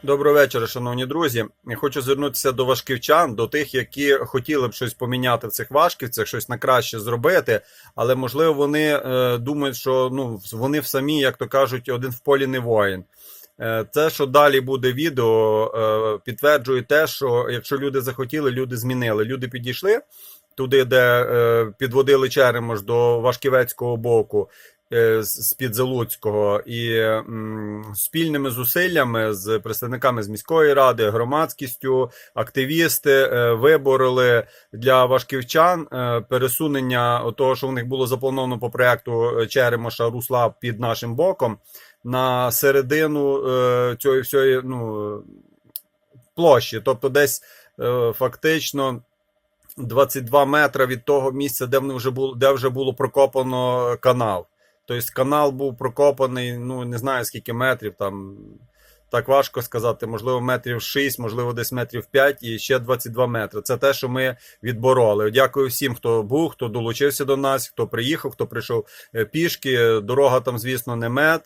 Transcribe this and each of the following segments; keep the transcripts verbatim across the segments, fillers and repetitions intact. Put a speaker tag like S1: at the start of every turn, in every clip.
S1: Доброго вечора, шановні друзі. Я хочу звернутися до важківчан, до тих, які хотіли б щось поміняти в цих важківцях, щось на краще зробити, але, можливо, вони е, думають, що ну, вони в самі, як то кажуть, один в полі не воїн. Е, те, що далі буде відео, е, підтверджує те, що якщо люди захотіли, люди змінили. Люди підійшли туди, де е, підводили Черемош до Вашківецького боку, з-під Залуцького, і м, спільними зусиллями з представниками з міської ради, громадськістю, активісти е, вибороли для важківчан е, пересунення того, що в них було заплановано по проєкту Черемоша русла під нашим боком, на середину е, цієї всієї ну, площі, тобто десь е, фактично двадцять два метри від того місця, де, вже було, де вже було прокопано канал. Тобто канал був прокопаний, ну не знаю скільки метрів, там так важко сказати, можливо метрів шість, можливо десь метрів п'ять і ще двадцять два метри. Це те, що ми відбороли. Дякую всім, хто був, хто долучився до нас, хто приїхав, хто прийшов пішки. Дорога там, звісно, не мед.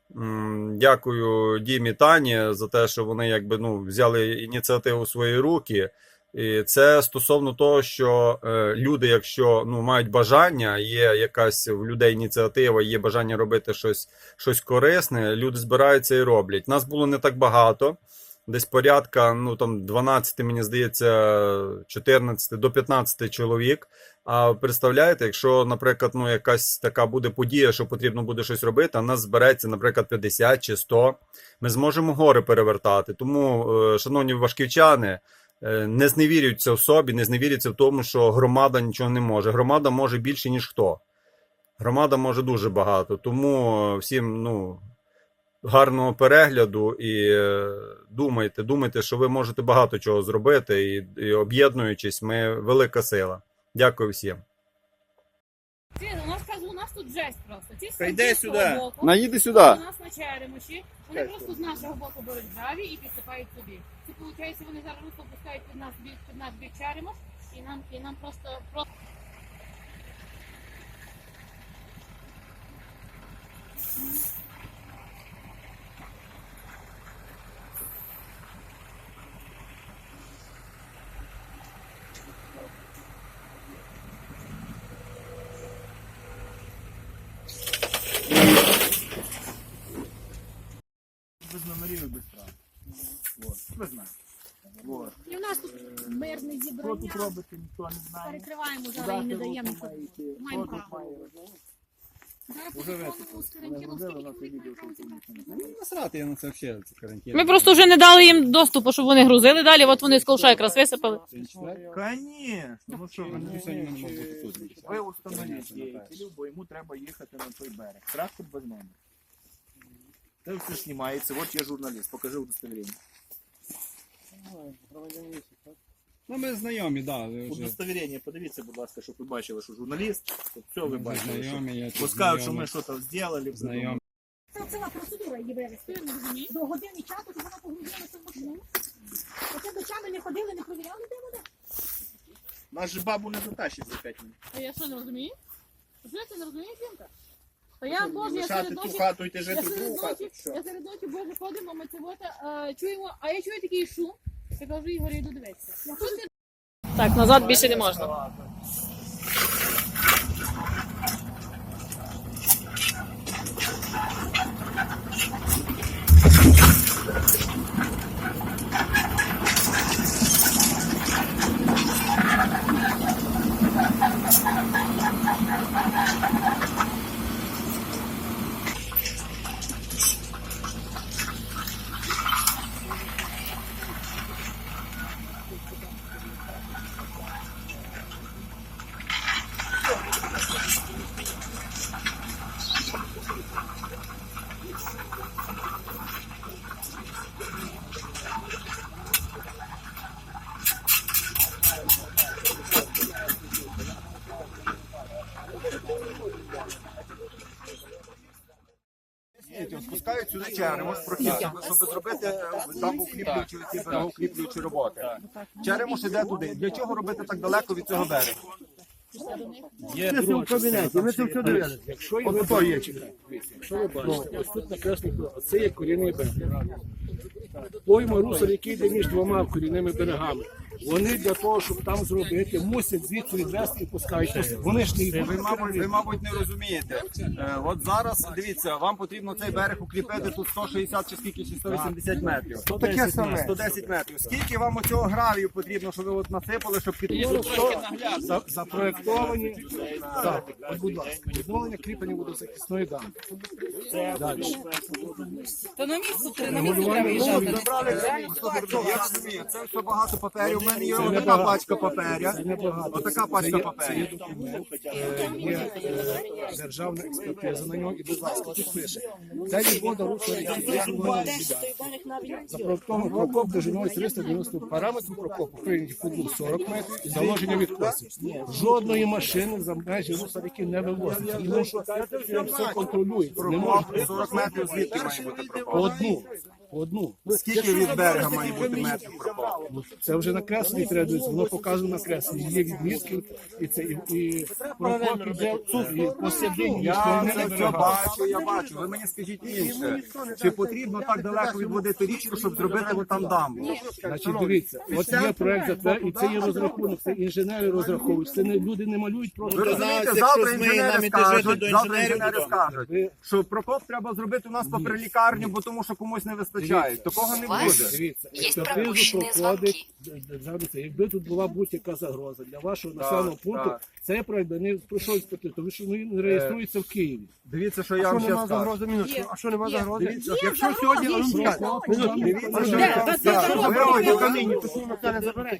S1: Дякую Дімі, Тані за те, що вони якби ну взяли ініціативу в свої руки. І це стосовно того, що е, люди, якщо ну, мають бажання, є якась в людей ініціатива, є бажання робити щось, щось корисне, люди збираються і роблять. Нас було не так багато, десь порядка ну, там, дванадцять, мені здається, чотирнадцять до п'ятнадцяти чоловік. А представляєте, якщо, наприклад, ну, якась така буде подія, що потрібно буде щось робити, а нас збереться, наприклад, п'ятдесят чи сто, ми зможемо гори перевертати. Тому, е, шановні важківчани, не зневірюються в собі, не зневірюються в тому, що громада нічого не може. Громада може більше, ніж хто. Громада може дуже багато. Тому всім ну, гарного перегляду і думайте, думайте, що ви можете багато чого зробити. І, і об'єднуючись, ми велика сила. Дякую всім.
S2: У нас, у нас тут жесть просто. Ці
S3: Прийди сюди.
S2: боку,
S3: Наїди сюди.
S2: у нас на Черемоші. Вони просто з нашого боку беруть граві і підсипають собі. Це виходить, вони зараз русло пускають під нас бік, під наш бік Черемош, і нам, і нам просто, просто...
S3: Без номерів і без прав. Вот. Ви знаєте. Вот.
S2: І у нас тут мирне
S3: Що
S2: зібрання.
S3: тут робити, ніхто не знає.
S2: Перекриваємо
S3: Куди
S2: зараз і не
S3: це
S2: даємо.
S3: русло має йти,
S2: Маємо
S3: що тут
S2: право.
S3: має робити.
S2: Зараз
S3: Уже
S2: по
S3: висипали.
S2: закону з
S3: Вони
S2: карантину
S3: робили,
S2: скільки
S3: у нас
S2: чоловік
S3: відео,
S2: має право
S3: що
S2: зібрати?
S3: тут.
S1: Насрати, я на це взагалі це карантин.
S4: Ми просто вже не дали їм доступу, щоб вони грузили далі, от вони з ковша якраз висипали.
S3: Конечно. Ну що, ви
S1: Ні,
S3: не
S1: ні, ні.
S3: ви установіть діятелю, бо йому треба їхати на той берег. Трактор без номера. Це все знімається. От я журналіст. Покажи удостоверення.
S1: Ну, ми знайомі, так. Да,
S3: Удостоверення, подивіться, будь ласка, щоб ви бачили, що журналіст. Щоб все ви бачили.
S1: знайомі, я
S3: Що
S1: тут
S3: пускають, що
S1: знайомий.
S3: ми щось зробили.
S1: Знайомі.
S5: Це ціла процедура її вивезти.
S2: Ти не розумієш?
S5: До години часу, щоб вона погрузилася в машину. Оце дочами не ходили, не провіряли, де вона.
S3: Нас же бабу не затащить за п'ять минут.
S2: А я що, не розумію? Що ти не розумієш, жінка? То я, Боже, я
S3: Лишати
S2: серед
S3: ту
S2: ночі...
S3: хату, йти
S2: Я
S3: жити в
S2: серед
S3: другу хату.
S2: ночі,
S3: Що?
S2: я серед ночі, Боже, ходимо, ми це от, е, чуємо, а я чую такий шум. Я кажу, Ігор, я йду дивитися. Що ти?
S4: Так, назад більше не можна.
S1: Спускають сюди Черемош, прохід, щоб зробити дамбоукріплюючі, ці берегоукріплюючі роботи. Черемош іде туди. Для чого робити так далеко від цього берега?
S2: Пішла до них.
S6: Є
S7: Ми це
S6: друга
S7: в кабінеті,
S6: частина.
S7: ми це все дивилися.
S6: Якщо є
S7: От то є чекай.
S6: Якщо ви бачите, ось тут накреслено, це є корінний берег. Пойма русел, який йде між двома корінними берегами. Вони для того, щоб там зробити, мусять звідси відвести і пускають. Вони ж не йдуть.
S1: Ви, мабуть, ви, мабуть, не розумієте. Е, от зараз, дивіться, вам потрібно цей берег укріпити тут сто шістдесят чи скільки, чи сто вісімдесят метрів.
S7: То таке саме.
S1: сто десять метрів. Скільки вам оцього гравію потрібно, щоб ви от насипали, щоб підтримати?
S6: За- Запроектовані, так, от, будь ласка, відновлення кріплення водозахисної дамби. Далі.
S4: То на місце три на
S6: Регулювання руху.
S1: Я розумію, це все багато паперів. У мене є
S6: Це
S1: отака
S6: небагато.
S1: пачка паперя.
S6: Це небагато.
S1: Отака
S6: Це
S1: пачка
S6: є-
S1: паперів.
S6: Це є документ, е, є е, державна експертиза на нього, і будь ласка, тут пише. Це відвода русла ріки. Запроектований прокоп довжиною триста дев'яносто параметрів прокопу, прийняті футбол сорок метрів і заложення відкосів. Жодної машини за межі русла ріки не вивозиться, тому що це все контролюється. Не можна
S1: Прокоп сорок метрів звідки має бути
S6: по
S1: прокоп?
S6: одну. по Одну.
S1: Скільки від берега має бути метрів прокоп?
S6: Ну, це вже накреслені треба дивитися, воно показано накреслені. Є відмітки, і це і, і прокоп іде і посередині.
S1: Я
S6: ніхто
S1: це
S6: не
S1: все
S6: вибирає.
S1: бачу, я бачу. Ви мені скажіть інше. Чи потрібно так далеко відводити річку, щоб зробити от там дамбу?
S6: Значить, дивіться, от є проект затверджений, і це є розрахунок, це інженери розраховують, це не люди не малюють
S1: Ви
S6: просто.
S1: розумієте, завтра інженери скажуть, завтра інженери скажуть,
S6: Ви-
S1: що прокоп треба зробити у нас попри лікарню, бо тому що комусь не вистачає. Такого не буде.
S6: Дивіться, експертизу проходить державний це. Якби тут була будь-яка загроза для вашого населеного пункту,
S1: так.
S6: цей проект би не пройшов експертизу, тому що він реєструється в Києві.
S1: Дивіться, що я
S7: Що
S1: вам ще
S7: нема
S1: скажу.
S7: загрози минутку? А що нема загрози?
S1: Дивіться,
S7: Якщо сьогодні, а ну чекай, минутку,
S1: Дивіться,
S7: а що
S1: що я вам
S7: я
S1: скажу.
S7: заберу до каміння, то що це не забере.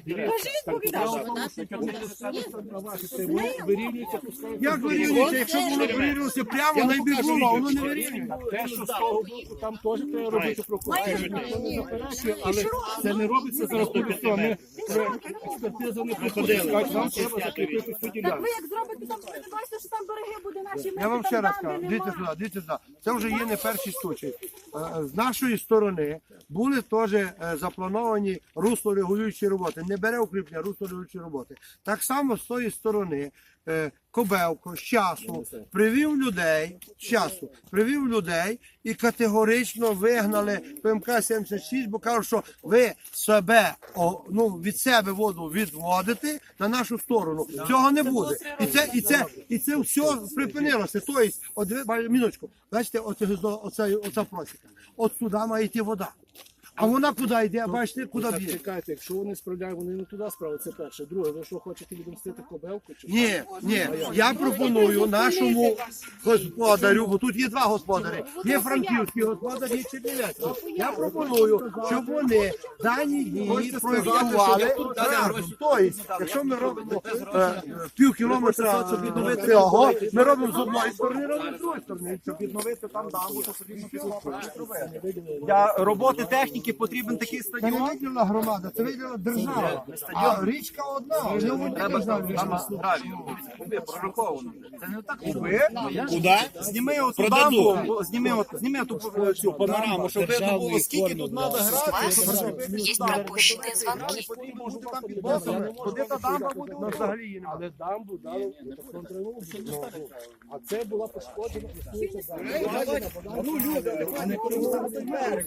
S6: Вирівнюється, пускай.
S7: Як вирівнюється, якщо воно вирівнюється прямо, найбільш було, а воно не вирівнюється.
S6: Те, що з того боку, там теж треба робити прокуратуру. Але це не робиться за рахунок того. Ми експертизу не проходили. Вам треба закріпити цю
S5: Так
S6: ділянку.
S5: ви як зробите там, ви бачите, що там береги буде наші.
S7: Я вам ще раз кажу, дивіться сюди, дивіться сюди. Це вже є не перший случай. Е, З нашої сторони були теж е, заплановані руслорегулюючі роботи. Не бере укріплення, руслорегулюючі роботи. Так само з тої сторони е, Кобелко з часу привів людей, з часу привів людей і категорично вигнали ПМК сімдесят шість, бо кажуть, що ви себе, о, ну, від себе воду відводите на нашу сторону. Цього не буде. І це, і це, і це все припинилося. Тобто, от, ви, ба- минуточку, бачите, оце, оце, оця просіка. От сюди має йти вода. А вона куди йде, бачите, куди
S6: Так,
S7: б'є?
S6: чекайте, якщо вони справляють, вони не туди справи, це перше. Друге, ви що хочете відомстити Кобелку? Чи
S7: Ні, ні, я пропоную нашому господарю, бо тут є два господарі, є франківський господар, є чернівецький. Я пропоную, щоб вони дані дії проєктували разом. Тобто, якщо ми робимо е, пів кілометра цього, ми робимо з одної сторони, робимо з другої сторони, щоб відновити там дамбу, то потрібно зробити.
S1: Для роботи техніки потрібен такий
S7: Це не
S1: стадіон.
S7: виділила громада, це виділила держава. А річка одна, не одна держава.
S1: Прораховано. Це не так куби. Куди? Зніми оту дамбу, зніми, от, зніми ту е, цю панораму, щоб видно було, скільки тут треба грати.
S8: Есть пропущенные звонки.
S1: Куди та дамба буде?
S7: Ну, взагалі її немає.
S6: але дамбу дали контрольну. А це була пошкоджена.
S1: Ну, люди, а не переговорити берег.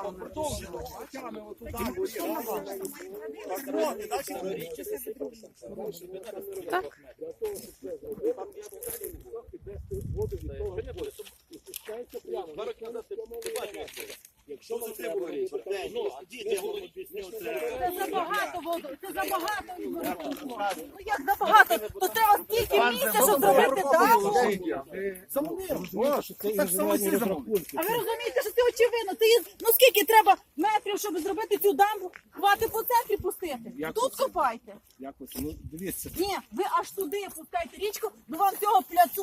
S5: Це забагато воду, це забагато. Ну як забагато? То треба стільки місця, щоб зробити дамбу.
S6: Це інженерні розрахунки.
S5: А ви розумієте, що це очевидно? Це є, ну скільки треба метрів, щоб зробити цю дамбу? Хватить по центрі пустити.
S6: Як
S5: Тут
S6: це?
S5: копайте.
S6: Якось, ну, дивіться.
S5: Ні, ви аж туди пускайте річку, бо вам цього пляцу треба,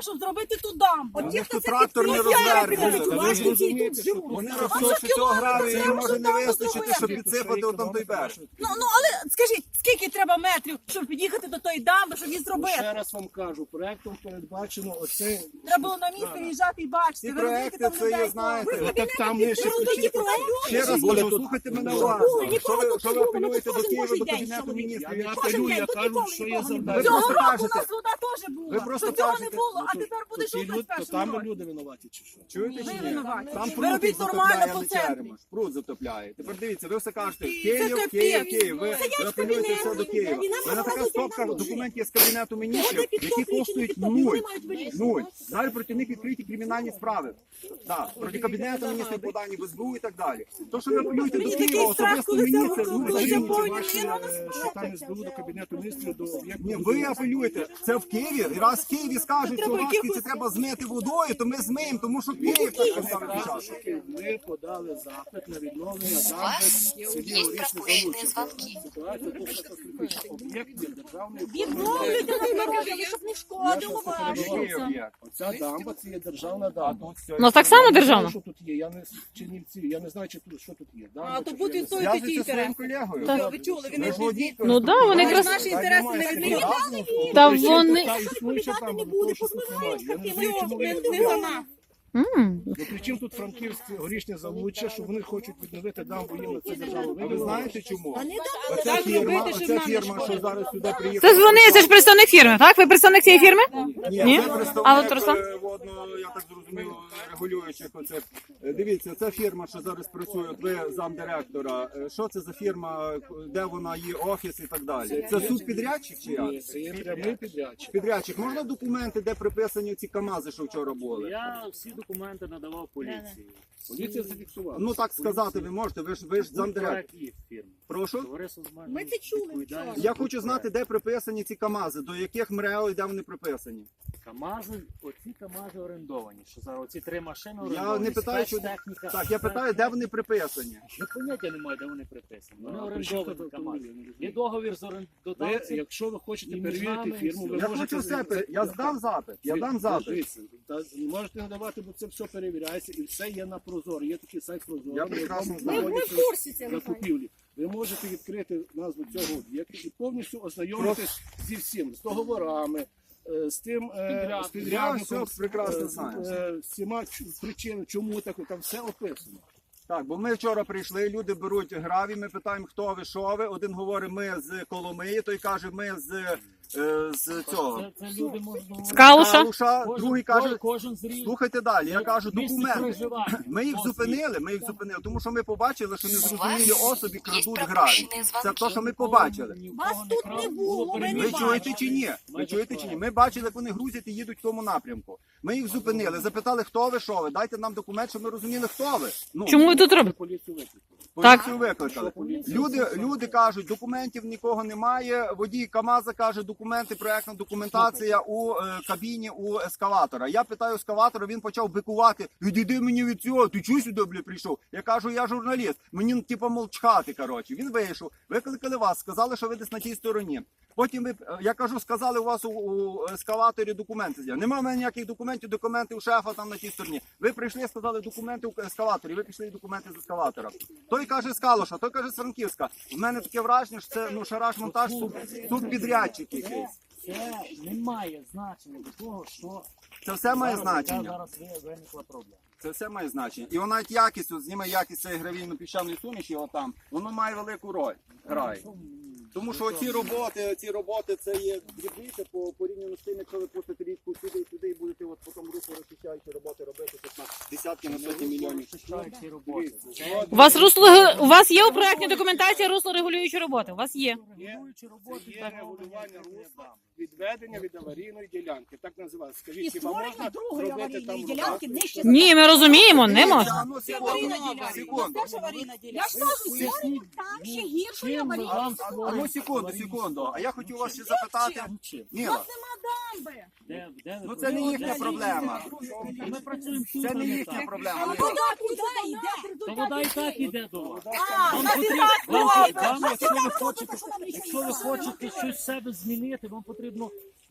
S5: щоб зробити ту дамбу.
S1: Вони
S5: От ті,
S1: ж
S5: хто
S1: тут
S5: це
S1: трактор не
S5: підтримує,
S1: розвернуть.
S5: підтримують,
S6: Ви ж
S5: бачите, ті
S6: розумієте,
S5: тут
S6: що
S5: живуть.
S1: Вони
S5: А
S1: рахують,
S5: що
S1: що цього
S5: кілометрів
S1: гравію їм
S5: треба,
S1: може
S5: щоб
S1: не
S5: дамбу
S1: вистачити, щоб
S5: зробити?
S1: підсипати отам той берег.
S5: Ну, ну, але скажіть, скільки треба метрів, щоб під'їхати до тої дамби, щоб її
S6: Ну,
S5: зробити?
S6: ще раз вам кажу, проектом передбачено оце.
S5: Треба було на місце їжджати і бачити.
S1: Ці
S5: ви розумієте,
S1: проекти,
S5: там
S1: це
S5: людей
S1: є, знаєте,
S5: Ви в
S6: так
S5: кабінеті
S6: там не ще
S5: підтримали
S6: ключі.
S5: ті проекти.
S1: Ще раз
S6: Доля
S1: кажу,
S6: тут-
S1: слухайте мене
S6: Доля.
S1: уважно.
S5: Нікого
S1: Що ви,
S5: тут
S1: що ви
S5: не було,
S1: апелюєте
S5: тут
S1: до
S5: кожен
S1: Києва,
S5: божий
S1: до
S5: день
S1: Кабінету
S5: чоловік.
S1: міністрів?
S6: Я
S1: Я
S6: не
S5: Кожен
S6: апелюю,
S5: день
S6: я
S5: тут
S6: кажу,
S5: ніколи
S6: що є
S5: нікого не
S6: завдання.
S5: було.
S1: Ви просто
S5: Цього року
S1: кажете.
S5: у нас вода теж була.
S1: Ви просто
S5: Що цього не
S1: кажете.
S5: було, а
S6: То-
S5: тепер буде
S6: то ті
S5: що в
S6: люд- то там
S5: першому році.
S6: люди винуваті чи що?
S1: Чуєте
S5: Ви
S1: чи ні?
S5: винуваті.
S1: Там
S5: Ви
S1: пруд
S5: робіть нормально
S1: затопляє,
S5: по
S1: не
S5: центрі.
S1: черемош. Пруд затопляє. Тепер дивіться, ви все кажете,
S5: Це
S1: Київ,
S5: капець.
S1: Київ, Київ. Ви
S5: Сидять
S1: ви
S5: в
S1: апелюєте
S5: кабінеті,
S1: все до Києва.
S5: і нам
S1: Ви на така
S5: показують
S1: стопка
S5: нам ножі.
S1: документів з Кабінету міністрів,
S5: Вони
S1: які
S5: підтоплюють,
S1: коштують
S5: підтоплюють,
S1: нуль.
S5: вони мають вирішувати.
S1: Нуль. Далі проти них відкриті кримінальні справи. Так, проти Кабінету міністрів подані в ес бе у і так далі. То, що ви апелюєте до
S5: Мені
S1: Києва,
S5: такий страх,
S1: особисто
S5: коли
S1: мені,
S5: це
S1: це
S5: роблять.
S1: ну,
S5: Коли
S1: це
S5: це
S1: ні.
S5: повні
S6: Ваші,
S5: міри,
S6: е, що там ес бе у до Кабінету міністрів до об'єкту.
S1: Ні, ви апелюєте. Це в Києві. І раз в Києві скажуть, що
S5: Треба
S1: важкі це
S5: якихось-
S1: треба змити водою, то ми змиємо, тому що Київ так поставив початок.
S6: Ми подали запит на відновлення
S8: У
S6: дамби
S8: вас
S6: в селі
S8: є
S6: Орішне
S8: пропущені
S6: Залуччя.
S8: дзвонки.
S6: Ситуація тут катастрофічна. Об'єкт є державний.
S5: Відновлюйте на дороги, щоб не шкодило вам.
S1: Який об'єкт?
S6: Оця дамба це є державна дамба.
S1: Тут все.
S4: У нас так само
S6: Я не знаю,
S4: державна?
S6: що тут є, я не з Чернівці, я не знаю, чи тут, що тут є. Дамба
S5: А то
S6: чи
S5: буде
S6: що, я
S5: той
S6: не
S5: такий
S1: Зв'язуйте зі своїм
S5: інтерес.
S1: колегою.
S4: Так.
S5: Ви чули, він
S1: Ви
S5: не
S1: ж водій,
S4: Ну да, вони
S5: Ми
S4: якраз.
S5: наші інтереси не відмінюємо.
S4: Та
S6: знаю.
S4: вони.
S6: Та існуюча
S5: Відповідати не
S6: дамба,
S5: буде,
S6: тому що тут немає. Я не знаю, чому ви
S5: не,
S6: не
S5: не за
S6: відмовляєте.
S5: нас.
S4: М.
S6: Ну, при чим тут Франківське горішнє Залуччя, що вони хочуть відновити дамбу їм на це державу.
S1: А ви знаєте чому?
S5: А не
S1: Оця
S5: так
S1: фірма,
S5: робити, щоб
S1: оця
S5: нам не
S1: фірма, що
S5: шкодило.
S1: зараз сюди приїхала.
S4: Це ж вони, це ж представник фірми, так? Ви представник цієї фірми?
S1: Ні,
S4: Ні?
S1: це
S4: А
S1: представник
S4: от Руслан?
S1: е, водно, я так зрозумів, регулюючих оце. Е, Дивіться, це фірма, що зараз працює, от ви замдиректора. Е, Що це за фірма, де вона є, офіс і так далі? Це субпідрядчик чи як?
S6: Ні, це є прямий підрядчик.
S1: Підрядчик, можна документи, де приписані ці КАМАЗи, що вчора були?
S9: Я всі документи надавав поліції.
S6: Поліція зафіксувала.
S1: Ну так сказати ви можете, ви ж ви ж замдиректор.
S9: Проект їх фірми.
S1: Прошу?
S9: Товариство з обмеженою
S5: Ми це чули
S9: відповідальністю.
S1: Я хочу знати, де приписані ці КАМАЗи, до яких МРЕО і де вони приписані.
S9: КАМАЗи, оці КАМАЗи орендовані. Що зараз оці три машини
S1: Я
S9: орендовані.
S1: не питаю, що
S9: спецтехніка.
S1: так, я питаю, де вони приписані.
S9: Я поняття не маю, де вони приписані. Вони
S6: Ну, а при чому
S9: орендовані
S6: тут
S9: КАМАЗи.
S6: автомобілі?
S9: Є договір з
S6: Ви,
S9: орендодавцем.
S6: якщо ви хочете
S9: І між
S6: перевірити
S9: нами,
S6: фірму,
S9: і
S6: ви
S1: Я
S6: можете...
S1: хочу все, пер- я здам запит, я дам запит.
S6: Дивіться, та можете надавати, бо це все перевіряється і все є на Прозоро. Є такий сайт Прозоро.
S1: Я прекрасно
S6: в
S1: знаю.
S6: якому
S5: Ми в
S6: знаходяться
S5: курсі цього.
S6: закупівлі. Ви можете відкрити назву цього об'єкту і повністю ознайомитись зі всім, з договорами, е, з тим е,
S9: Підрядником.
S6: з підрядником,
S1: Я все прекрасно
S6: е, з
S1: знаю.
S6: е, всіма ч- причинами, чому так, там все описано.
S1: Так, бо ми вчора прийшли, люди беруть гравій, ми питаємо, хто ви, що ви. Один говорить, ми з Коломиї, той каже, ми з, е, з цього.
S9: Це, це люди можуть...
S4: З Калуша?
S1: Калуша,
S9: Кожен-
S1: другий каже,
S9: кожен з різних
S1: слухайте далі, я кажу,
S9: місць
S1: документи.
S9: проживання.
S1: Ми їх
S9: Освіт.
S1: зупинили, ми їх зупинили, тому що ми побачили, що
S8: У
S1: незрозумілі
S8: вас
S1: особи
S8: є
S1: крадуть гравій.
S8: пропущені
S1: Це те, що ми
S8: дзвонки.
S1: побачили.
S9: Ні в
S5: Вас
S9: кого
S5: тут
S9: крав,
S5: не було, ви не
S1: Ви
S9: перевірено.
S1: чуєте чи ні? Ви чуєте чи ні? Ми бачили, як вони грузять і їдуть в тому напрямку. Ми їх зупинили, запитали, хто ви, що ви. Дайте нам документ, щоб ми розуміли, хто ви. Ну,
S4: Чому ви тут
S6: Ми
S4: робите?
S6: поліцію викликали.
S1: поліцію викликали. Люди, люди кажуть, документів нікого немає. Водій КАМАЗа каже, документи, проектна документація у е, кабіні у ескалатора. Я питаю ескалатора, він почав бикувати. Відійди мені від цього, ти чого сюди, бля, прийшов? Я кажу, я журналіст. Мені типу молчати, коротше. Він вийшов, викликали вас, сказали, що ви десь на тій стороні. Потім ви, е, я кажу, сказали, у вас у, у ескалаторі документи. Нема в мене ніяких документів, документи у шефа там на тій стороні. Ви прийшли, сказали, документи у ескалаторі, ви пішли документи з ескалатора. Той каже з Калуша, той каже з Франківська. В мене таке враження, що це ну, шараж-монтаж, суб, субпідрядчик якийсь.
S9: Це не має значення до того, що
S1: Це все має
S9: зараз, яка
S1: значення.
S9: зараз ви- виникла проблема.
S1: Це все має значення. І вона навіть якість, от зніме якість цієї гравійно-піщаної суміші, отам, воно має велику роль. Грає. Тому що ці роботи, ці роботи це є дрібніше по порівняно з тим, якщо ви пустите річку сюди і туди і будете от потім русло розчищаючі роботи робити тут на десятки на сотні мільйонів.
S9: Захищають ці роботи. Це
S4: У вас русло у вас є у проектній документації русло регулюючі роботи? У вас є.
S9: регулюючі роботи.
S6: Є регулювання русла, відведення від аварійної ділянки. Так називається.
S5: І
S6: Скажіть, хіба
S5: створення
S6: можна
S5: другої
S6: зробити там
S5: аварійної ділянки
S6: рукав?
S5: нижче.
S4: Ні, ми розуміємо, не можна.
S1: А ну, секунду, секунду.
S5: Це ж аварійна ділянка. Я ж кажу, створення там ще гіршої
S9: Чим ми
S5: аварійної.
S9: вам
S1: А ну
S9: створюємо
S1: секунду,
S9: аварійну
S1: секунду. А я хотів вас ще
S9: ситуацію?
S1: запитати.
S9: Ну, чим?
S5: У
S1: Ніла,
S5: нас нема дамби.
S9: Де- де ви
S1: ну це не їхня
S9: працюєте?
S1: проблема.
S9: Ми працюємо тут,
S1: Це
S9: а
S1: не
S9: не
S1: їхня
S9: там.
S1: проблема.
S5: А вода куди йде?
S9: Та вода і так іде до вас.
S5: А,
S9: Вам
S5: на
S9: потрібно,
S5: фірмах
S9: вам,
S5: робить.
S9: вам,
S5: На
S9: якщо ви
S5: фірмах
S9: хочете,
S5: робить, що нам нічого
S9: якщо ви
S5: не
S9: хочете щось в себе змінити, вам потрібно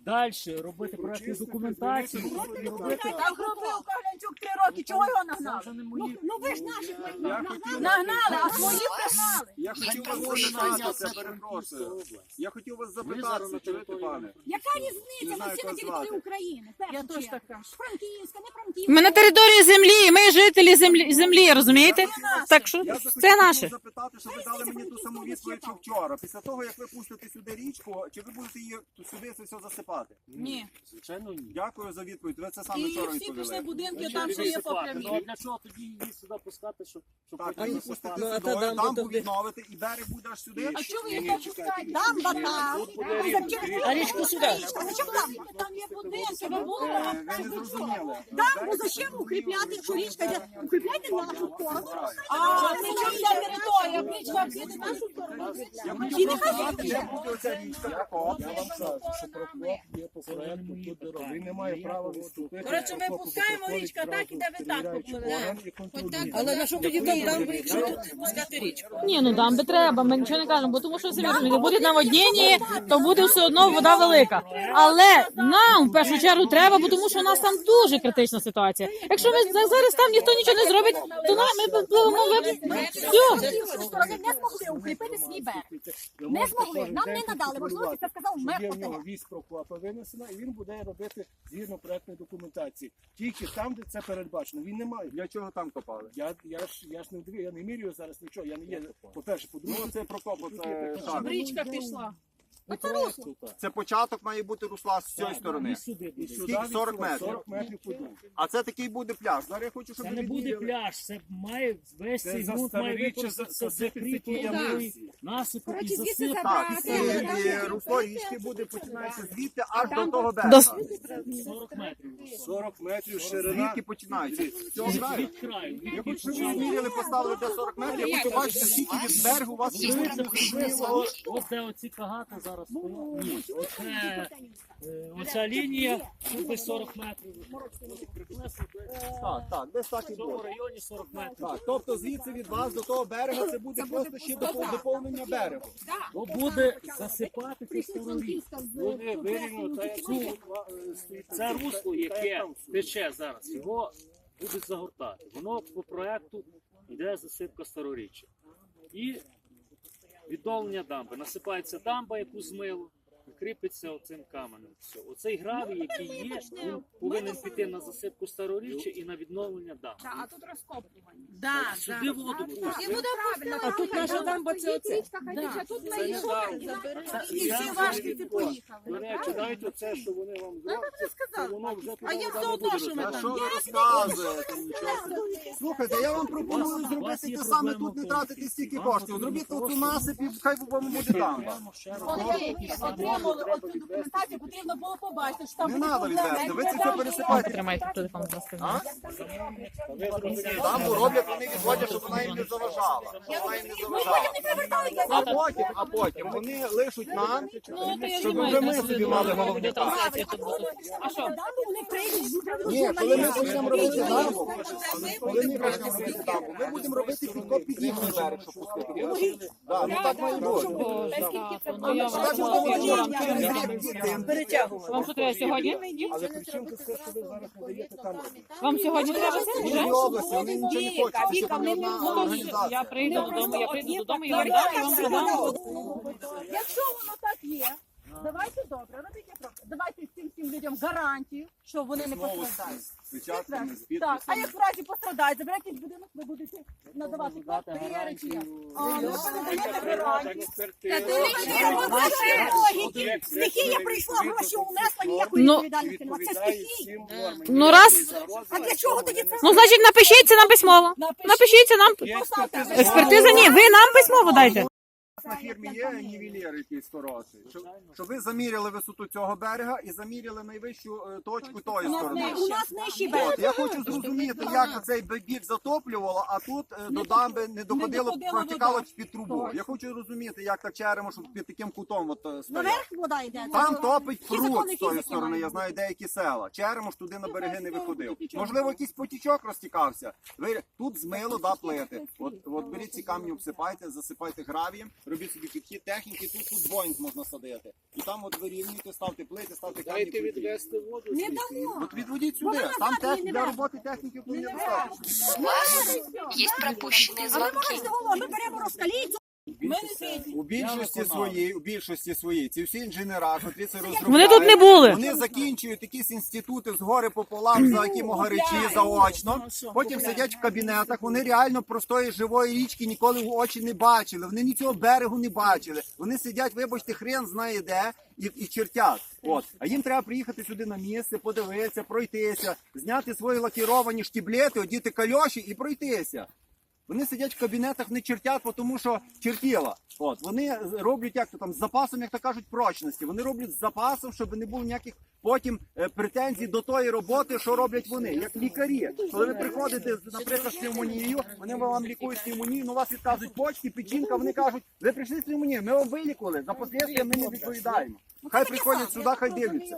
S9: Далі робити проєктну документацію. і робити.
S5: Так робив Каглянчук три роки, чого його нагнали?
S9: Це вже не
S5: Ну,
S9: мої.
S5: ну ви ж наших нагнали, нагнали, а свої пригнали.
S1: Я хотів вас запитати, перепрошую. Я хотів вас запитати, чуєте, пане?
S5: Яка різниця? Ми всі на території України.
S2: Я теж така.
S5: Франківська, не Франківська.
S4: Ми на території землі, ми жителі землі, землі, розумієте? Так що
S1: Я
S4: це
S1: захотів
S4: наше.
S1: вас запитати, щоб ви дали мені ту саму відповідь, що вчора. Після того, як ви пустите сюди річку, чи ви будете її сюди це все засипати?
S5: Ні.
S9: Звичайно, ні.
S1: Дякую за відповідь. Ви це саме
S5: І
S1: вчора
S5: всі пішли
S1: відповіли.
S5: будинки,
S9: Що
S5: там
S9: ви
S5: що є по
S9: висипати? Ну, а
S5: прямій.
S9: для чого тоді її сюди пускати, щоб, щоб
S1: Так, а
S9: потім
S1: її пустити
S9: засипати?
S1: сюди, дамбу відновити і берег буде аж сюди.
S5: А чого ви їх там пускаєте? Дамба там.
S4: А річку сюди.
S5: Зачем дамба? Там є будинки, ви були
S1: Е,
S5: там.
S1: Ви не зрозуміли.
S5: Дамбу зачем укріпляти, якщо річка йде? Укріпляйте нашу сторону. А, це чим ця територія? Річка піде нашу сторону. І нехай
S1: Де
S5: піде.
S1: буде оця річка Прокоп?
S6: Я вам кажу, що Прокоп є по проекту тут дорога. Він не має права відступити.
S5: Коротше, ми
S6: Прокоп
S5: пускаємо
S6: проходить
S5: річка так,
S6: зразу
S5: і де ви так
S6: перевіряючи
S5: попливете.
S6: орган і контролює.
S5: Але на що тоді там дамбу, якщо тут пускати річку?
S4: Ні, ну дамби треба, ми нічого не кажемо, бо тому що самі розумієте, буде наводнення, то буде все одно вода велика. Але нам в першу чергу треба, бо тому що у нас там дуже критична ситуація. Якщо ми за- зараз там ніхто нічого не зробить, то нам ми пливемо в все.
S5: Сторони не змогли укріпити свій берег.
S6: Ви
S5: Не
S6: можете
S5: змогли.
S6: кожен
S5: Нам
S6: день
S5: не надали можливості, це сказав
S6: що
S5: мер
S6: є в нього
S5: ОТГ.
S6: вісь Прокопа винесена, і він буде робити згідно проектної документації. Тільки там, де це передбачено. Він не має.
S1: Для чого там копали?
S6: Я, я, ж, я ж не вдивив, я не мірюю зараз нічого. Я не є, по-перше, по-друге,
S1: Ну, це Прокоп, це шар.
S2: Річка пішла.
S6: по проекту, так.
S1: Це початок має бути русла з цієї сторони.
S9: І сюди.
S6: І
S9: І
S6: сюди
S1: Скільки?
S6: від
S1: сорок
S6: цього
S1: метрів.
S6: сорок метрів подумав.
S1: А це такий буде пляж. Зараз я хочу, щоб
S9: Це
S1: ви
S9: не буде
S1: відміряли.
S9: пляж, це має весь
S6: Це
S9: цей
S6: за
S9: ґрунт має
S6: староріччя
S9: використатися
S6: засипати
S9: закріплений
S6: такі ями.
S9: насипу і
S5: Коротше, звідси
S9: засипати.
S1: Так,
S5: забрати.
S1: і, і русло річки буде починається звідти аж до того
S4: До-
S1: берега.
S9: сорок метрів.
S6: сорок метрів ширина.
S1: Звідки починається? З цього краю.
S9: Від краю. від
S1: Я хочу, щоб ви
S9: початку.
S1: зміряли, поставили де сорок метрів, я хочу бачити, скільки від берегу у вас є.
S9: Дивіться, приблизно, от- от де оці кагати зараз стоять. Ні, оце, е, оця лінія, тут десь сорок метрів.
S1: Так, так, десь так і
S9: В цьому
S1: буде.
S9: районі сорок метрів.
S1: Так, тобто звідси від вас до того берега це буде просто ще допов- доповнення берегу.
S9: Бо буде засипати староріч.
S6: Буде вирівняно та як
S9: Цю, е, Це русло, яке тече зараз, його будуть загортати. Воно по проекту йде засипка староріччя. І відновлення дамби. Насипається дамба, яку змило, кріпиться оцим каменем. Все. Оцей гравій, який є, він повинен піти на засипку староріччя і на відновлення дамби.
S2: А тут розкопування.
S5: Да,
S9: Сюди воду пустять.
S5: І буде правильно. А тут наша дамба це оце.
S2: А тут
S9: Це не дамба.
S5: І всі важківці поїхали.
S6: До речі, навіть оце, що вони вам зроблять, це воно вже
S5: А їм
S6: туди
S5: все
S6: не
S5: одно,
S6: буде
S5: що ми
S1: А
S5: там.
S1: що ви розказуєте? Нічого собі. Слухайте, я вам пропоную зробити те саме тут, не тратити стільки коштів. Зробіть оцю насип і хай вам буде там.
S5: Коли отримали оцю документацію, потрібно було побачити, що там
S1: Не
S5: буде
S1: треба відвести, ви це все пересипаєте.
S4: Тримайте телефон, будь ласка.
S1: А? Дамбу роблять, вони відводять, щоб вона їм не заважала. Щоб вона їм не заважала. А потім, а потім вони лишуть нам,
S4: Ну, то я
S1: щоб
S4: знімаю,
S1: вже
S4: на
S1: ми
S4: собі
S1: собі мали
S4: буде
S1: головні
S4: трансляція тут буде. А що?
S5: Вони прийдуть,
S1: Ні, коли ми почнемо робити дамбу, коли ми почнемо робити дамбу, ми будемо робити підкоп під їхній берег, щоб пустити. Так, ну так має бути.
S4: Ну, я
S1: Так
S4: вам
S1: будемо робити через рік дітей.
S4: Вам що треба сьогодні?
S6: Але при чому тут все, що ви зараз не даєте там?
S4: Вам сьогодні треба це?
S1: В
S4: Вже?
S1: Львівській області вони нічого не хочуть, тому що там є одна
S4: Ну, то
S1: організація.
S4: я прийду додому, я прийду додому, я вам дам, я вам продам.
S5: Якщо воно так є, давайте добре, робіть як робите. Давайте цим всім людям гарантію, що вони не
S1: Знову
S5: пострадають.
S1: з печатками, з
S5: Так, а
S1: підписами.
S5: як в разі пострадають, заберете будинок, ви будете надавати квартири чи як? А, ну що не даєте гарантію? Стихія прийшла, гроші унесла, ніякої
S4: Ну,
S5: відповідальності немає. Це
S6: Відповідає
S5: стихія.
S6: всім нормам.
S4: Ну, раз.
S5: А для чого тоді це?
S4: Ну, значить, напишіться нам письмово. Напишіться нам. Експертиза ні, ви нам письмово дайте.
S1: У нас на фірмі є нівелір якийсь хороший, щоб, щоб ви заміряли висоту цього берега і заміряли найвищу е, точку тої сторони.
S5: У нас нижчий берег.
S1: От, я хочу зрозуміти, як оцей бік затоплювало, а тут е, до дамби не доходило,
S5: доходила
S1: протікало
S5: вода.
S1: під трубу. Я хочу розуміти, як так черемо, щоб під таким кутом от, е, стояв.
S5: Наверх вода йде.
S1: Там топить
S5: Ті закони
S1: пруд з тої
S5: фізики
S1: сторони,
S5: мають
S1: я знаю деякі села. Черемош туди на береги не виходив. Можливо, якийсь потічок розтікався. Ви тут змило, да, плити. От, от беріть ці камні, обсипайте, засипайте гравієм, робіть собі підхід техніки, тут тут Боїнг можна садити. І там от вирівнюйте, ставте плити, ставте камні.
S6: Дайте відвести воду.
S5: Не
S6: звідси.
S5: дамо.
S1: От відводіть сюди,
S5: Вона
S1: там
S5: назад
S1: тех...
S5: не
S1: для
S5: бере.
S1: роботи техніки вполне
S5: Не
S1: достатньо.
S8: У вас есть пропущенные
S5: А ми
S8: звонки.
S5: можемо говорити, ми беремо розкалійцю. Ми не світі.
S1: У більшості своїй, у більшості своїй, ці всі інженера, котрі це розробляють,
S4: Вони тут не були.
S1: Вони закінчують якісь інститути згори пополам за які могаричі заочно. Потім сидять в кабінетах. Вони реально простої живої річки ніколи в очі не бачили. Вони нічого берегу не бачили. Вони сидять, вибачте, хрен знає де і, і чертять. От. А їм треба приїхати сюди на місце, подивитися, пройтися, зняти свої лакіровані штіблети, одіти кальоші і пройтися. Вони сидять в кабінетах, не чертять, тому що чертіла. От. Вони роблять як то там з запасом, як то кажуть, прочності. Вони роблять з запасом, щоб не було ніяких потім е, претензій до тої роботи, що роблять вони, як лікарі. Коли ви приходите, наприклад, з пневмонією, вони вам лікують пневмонію, ну у вас відказують почки, печінка, вони кажуть, ви прийшли з пневмонією, ми вам вилікували, за послідствия ми не відповідаємо. Хай приходять сюди, хай дивляться.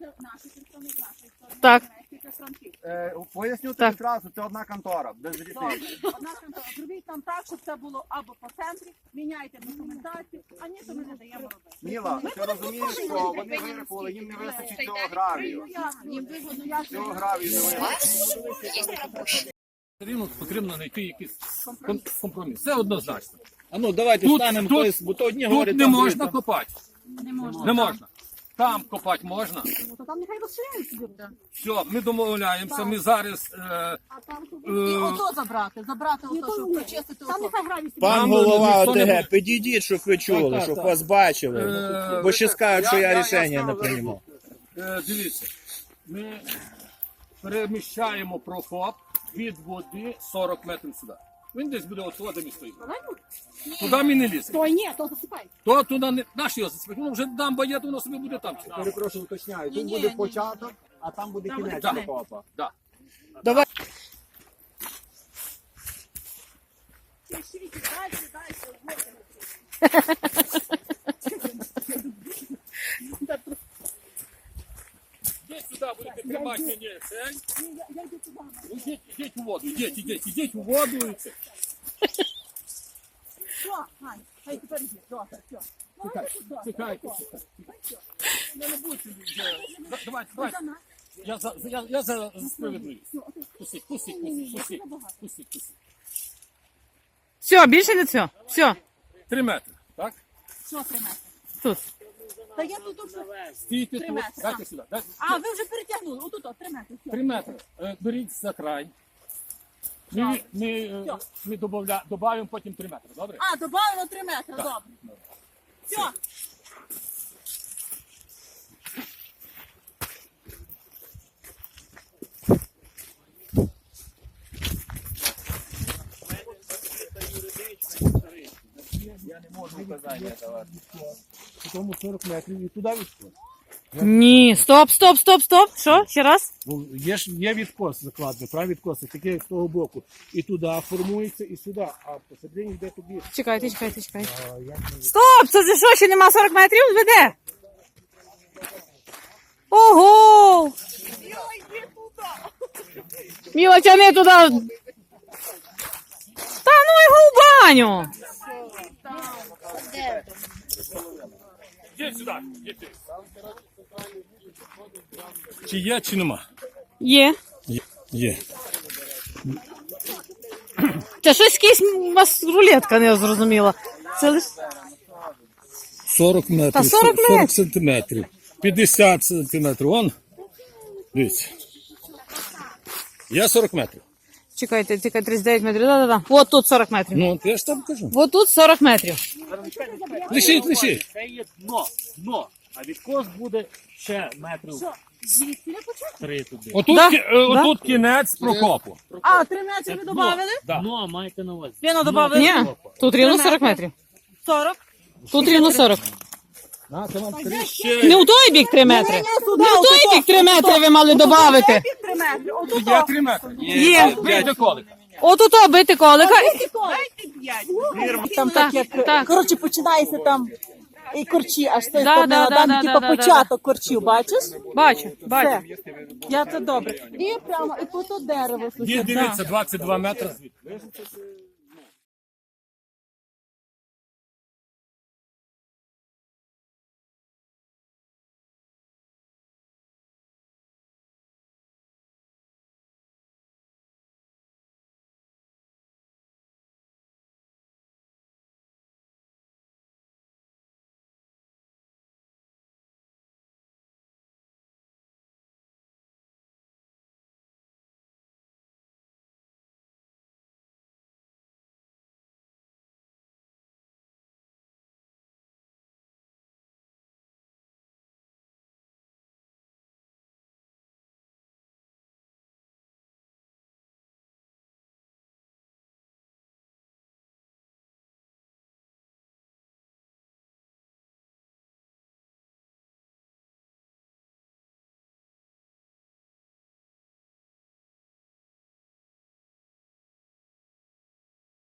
S4: Так.
S1: Е, поясню
S4: Так.
S1: тобі одразу, це одна контора, без різниці.
S5: Одна контора. Зробіть там так, щоб це було або по центрі, міняйте документацію, а ні, то ми не даємо робити.
S1: Міла, ти розумієш, що вони вирахували, їм не вистачить цього гравію.
S5: Їм вигодно, я
S1: Цього гравію не
S8: У
S1: вистачить.
S8: вас есть пропущенные.
S6: Все рівно потрібно знайти якийсь ком- компроміс. Це однозначно.
S3: А ну давайте
S6: Тут-
S3: станемо
S6: тут-
S3: хтось, бо то одні
S6: Тут
S3: говорять,
S6: не
S3: там
S6: можна
S3: другі, там-
S6: копати.
S2: Не можна.
S6: Не можна. Там копати можна.
S5: Ну, то там нехай розширяють собі.
S6: Все, ми домовляємося, ми зараз. Е,
S5: А там
S6: е,
S5: ото забрати, забрати ото, щоб почистити. Там нехай гравій собі.
S3: Пан
S6: Нам
S3: голова
S6: ніхто не
S3: ОТГ,
S6: буде.
S3: підійдіть, щоб ви чули,
S6: Так, так,
S3: щоб
S6: так.
S3: вас бачили.
S6: Е,
S3: Бо ще скажуть, що
S6: я-
S3: я
S6: я- я
S3: рішення не
S6: ставлю.
S3: приймав.
S6: е, дивіться, ми переміщаємо прокоп від води сорок метрів сюди. Він десь буде от туди, де ми стоїмо. Туди ми не ліземо.
S5: То ні, то засипай.
S6: То туди не наш його засипати. Воно вже там боєт, воно собі буде там.
S1: Перепрошую, уточняю, тут
S5: Ні-ні,
S1: буде
S5: ні.
S1: початок, а там буде кінець
S6: Так.
S1: прокопа.
S6: Да.
S3: Давай.
S5: Пишіть, дальше, дальше.
S6: Йдіть сюди, будете тримати мені цей.
S5: Я йду туди.
S6: Ідіть, ідіть у воду, ідіть, ідіть, ідіть у воду. і це.
S5: Що, Ань, хай тепер йди. Добре, все. Ну,
S6: Чекай,
S5: йди туди.
S6: чекайте, чекайте. Ну, не будьте, вже. Да- Давайте, давайте. Я за, за- я, я за, за справедливість. Пустіть, пустіть, пустіть, пустіть, пустіть, пустіть.
S4: Все, більше не все. Все.
S6: Три метри, так?
S5: Що три метри?
S4: Тут.
S5: Та я тут вже...
S6: Стійте
S5: Три
S6: тут,
S5: метри,
S6: дайте сюди. Дайте.
S5: А, ви вже перетягнули. Отут, от, три метри. Все.
S6: Три метри. Е, Беріть за край. Ми, ми, е, ми добавля, добавимо потім три метри, добре?
S5: А, добавили три метри, добре. Все.
S3: Я не можу указання давати.
S6: Тому сорок метрів і туди відкос.
S4: Ні, стоп, стоп, стоп, стоп. Що? Ще раз?
S6: Бо є ж є відкос закладний, правий відкос, таке з того боку. І туди формується, і сюди, а посередині йде тобі.
S4: Чекайте, чекайте, чекайте. Стоп! Це за що, ще нема сорок метрів? Веде? Ого! Міла, тяни туди. Та ну його в баню.
S6: Йдіть сюди, йдіть. Чи є, чи нема?
S4: Є.
S6: Є.
S4: Це щось якийсь у вас рулетка не зрозуміла. Це лиш...
S6: сорок метрів,
S4: Та сорок метрів.
S6: сорок сантиметрів, п'ятдесят сантиметрів, вон, дивіться. Я сорок метрів.
S4: Чекайте, чекайте, тридцять дев'ять метрів. Да-да-да. От тут сорок метрів.
S6: Ну, я ж там кажу.
S4: От тут сорок метрів.
S6: Лишіть, лишіть.
S9: Це є дно, дно. А відкос буде ще метрів
S5: Звідки почати?
S9: три туди.
S6: Отут,
S4: Да,
S6: кі- е, отут кінець прокопу.
S5: А, три метри ви додавали?
S6: Да.
S9: Дно маєте на увазі.
S5: Піно додавали?
S4: Ні, тут рівно сорок метрів.
S5: сорок.
S4: Тут рівно сорок.
S6: На, це вам три.
S4: Не у той бік три метри. Не у той бік три метри ви мали додати.
S5: Три метри. Отут.
S6: Є три метри.
S4: Є.
S6: Бийте колик.
S4: От у то бити колика.
S5: Дайте п'ять.
S10: Там так, як
S4: так.
S10: коротше починається там і корчі, аж з тої
S4: Да,
S10: сторони,
S4: да,
S10: а
S4: да,
S10: там
S4: да,
S10: типу
S4: да, да,
S10: початок корчів, бачиш?
S4: Бачу, бачу.
S10: Все. Я це добре. І прямо, і по то дерево.
S6: Є, дивіться, двадцять два метри звідти.